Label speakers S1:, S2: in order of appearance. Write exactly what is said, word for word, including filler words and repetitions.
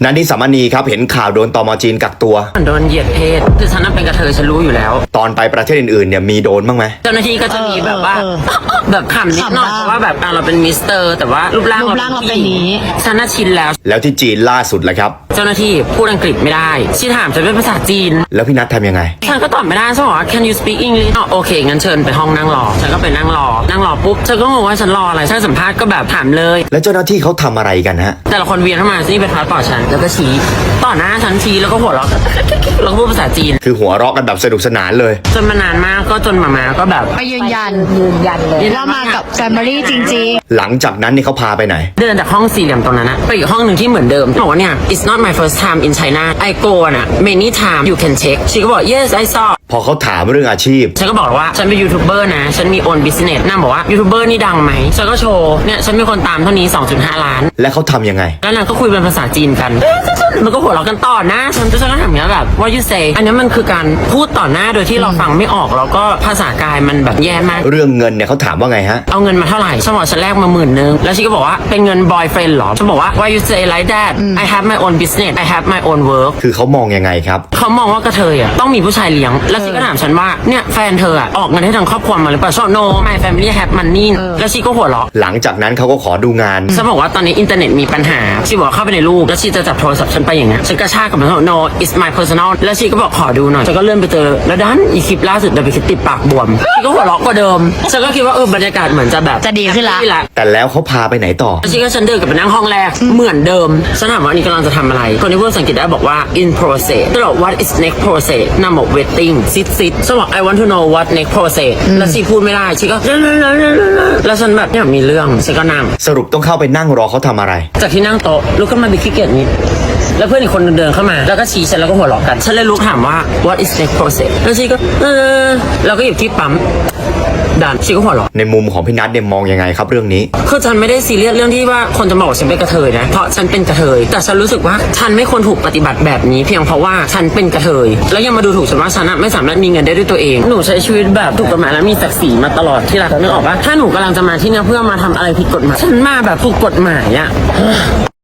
S1: นันทิสามณีครับเห็นข่าวโดนตม.จีนกักตัว
S2: โดนเหยียดเพศคือฉันน่ะเป็นกระเทยฉันรู้อยู่แล้ว
S1: ตอนไปประเทศอื่นๆเนี่ยมีโดนบ้างไหม
S2: เจ้าหน้าที่ก็จะมีแบบว่าแบบขำนิดหน่อยเพราะว่าแบบเราเป็นมิสเตอร์แต่ว่ารูปร่างเราเป็นนี้ฉันน่ะชินแล้ว
S1: แล้วที่จีนล่าสุดแหละครับ
S2: เจ้าหน้าที่พูดอังกฤษไม่ได้ชีถามฉันเป็นภาษาจีน
S1: แล้วพี่นัททำยังไง
S2: ฉันก็ตอบไม่ได้ฉันบอกว่า can you speak English อ๋อโอเคงั้นเชิญไปห้องนั่งรอฉันก็ไปนั่งรอนั่งรอปุ๊บฉันก็งงว่าฉันรออะไรฉันสัมภาษณ์ก็แบบถามเลย
S1: แล้วเจ้าหน้าที่เขาทำอะไรกันฮะ
S2: แต่ละคนเวียนเข้ามานี่เป็นพาร์ทต่อฉันแล้วก็ชี้ต่อหน้าฉันชี้แล้วก็หัวเราะแล้วก็พูดภาษาจีน
S1: คือหัวเราะกันแบบสนุกสนานเลย
S2: จนมานานมากก็จนมามาก็แบบ
S3: ไปยืนยันยืนยันเลยว่ามากับแฟมิลี่จริง
S1: ๆหลังจากนั้นนี่เขาพาไปไหน
S2: เดินจากห้องสี่เหลี่ยมตรงนั้นนะไปอีกห้องหนึ่งที่เหมือนเดิมบอกว่าเนี่ย it's not my first time in China I go น่ะ many time you can check ชีก็บอก yes I saw
S1: พอเขาถามเรื่องอาชีพ
S2: ฉันก็บอกว่าฉันเป็นยูทูบเบอร์นะฉันมี own business นางบอกว่ายูทูบเบอร์นี่ดังไหมฉันก็โชว์เนี่ยฉันมีคนตามเท่านี้ สองจุดห้า ล้าน
S1: และเขาทำยังไง
S2: แล้วนางก็คุยเป็นภาษาจีนกันมันก็หัวเราะกันต่อนะฉันจะฉันก็ถามอย่างนี้แบบ what you say อันนี้มันคือการพูดต่อหน้าโดยที่เราฟังไม่ออกแล้วก็ภาษากายมันแบบแย่มาก
S1: เรื่องเงินเนี่ยเขาถามว่าไงฮะ
S2: เอาเงินมาเท่าไหร่ฉันบอกฉันแลกมาหมื่นนึงแล้วชีก็บอกว่าเป็นเงิน boyfriend หรอฉันบอกว่า why you say like that I have my own business I have my own work
S1: คือเขามองยังไงครับ
S2: เขามองว่ากระเทยอ่ะต้องมีผู้ชายเลี้ยงแล้วชีก็ถามฉันว่าเนี่ยแฟนเธออ่ะออกเงินให้ทางครอบครัวมาหรือเปล่า no my family have money แล้วชีก็หัวเราะ
S1: หลังจากนั้นเขาก็ขอดูงาน
S2: ฉันบอกว่าตอนนี้อินเทอร์เน็ตมีปัญหาชีบอกเข้าไปในรูปแล้วชีจะจับโทรศัพท์ฉันไปอย่างเงี้ยฉันกระชากกับมันว่า no it's my personal แล้วชีก็บอกขอดูหน่อยฉันก็เลื่อนไปเจอแล้วดันอีคลิปล่าสุดเดี๋ยวไปคิดติดปากบวมชีก็หัวเราะกว่าเดิมฉันก็คิดว่าเออบรรยากาศเหมือนจะแบบ
S3: จะดีขึ้นละ
S1: แต่แล้วเขาพาไปไหนต่อ
S2: ชีก็ฉันเดินกลับไปนั่งห้องแรกเหมือนเดิมฉันถามว่านี่กำลังจะทำอะไรคนที่พูดภาษาอังกฤษได้บอกว่า in process ฉันบอก what is next process นางบอก waiting sit sit ฉันบอก I want to know what next process แล้วชีพูดไม่ได้ชีก็แล้วฉันแบบเนี่ยมีเรื่องฉันก็นั่ง
S1: สรุปต้องเข้าไปนั่งรอเขาทำอะไร
S2: จากที่นั่งโต๊ะลุกขึ้นมาบิดขี้เกียจนิดแล้วเพื่อนอีกคนเดินเข้ามาแล้วก็ชี้ฉันแล้วก็หัวเราะกันฉันเลยลุกถามว่า what is next process แล้วชีก็เออแล้วก็หยิบที่ปั๊มดันชีก็หัวเราะ
S1: ในมุมของพี่นัทเนี่ยมองยังไงครับเรื่องนี้
S2: คือฉันไม่ได้ซีเรียสเรื่องที่ว่าคนจะบอกฉันเป็นกระเทยนะเพราะฉันเป็นกระเทยแต่ฉันรู้สึกว่าฉันไม่ควรถูกปฏิบัติแบบนี้เพียงเพราะว่าฉันเป็นกระเทยแล้วยังมาดูถูกฉันว่าฉันไม่สามารถมีเงินได้ด้วยตัวเองหนูใช้ชีวิตแบบถูกกฎหมายและมีศักดิ์ศรีมาตลอดที่รักนึกออกปะถ้าหนูกำลังจะมาที่นี่เพื่อมาทำอะไรผิดกฎหมายฉันมาแบบถูกกฎหมายอะ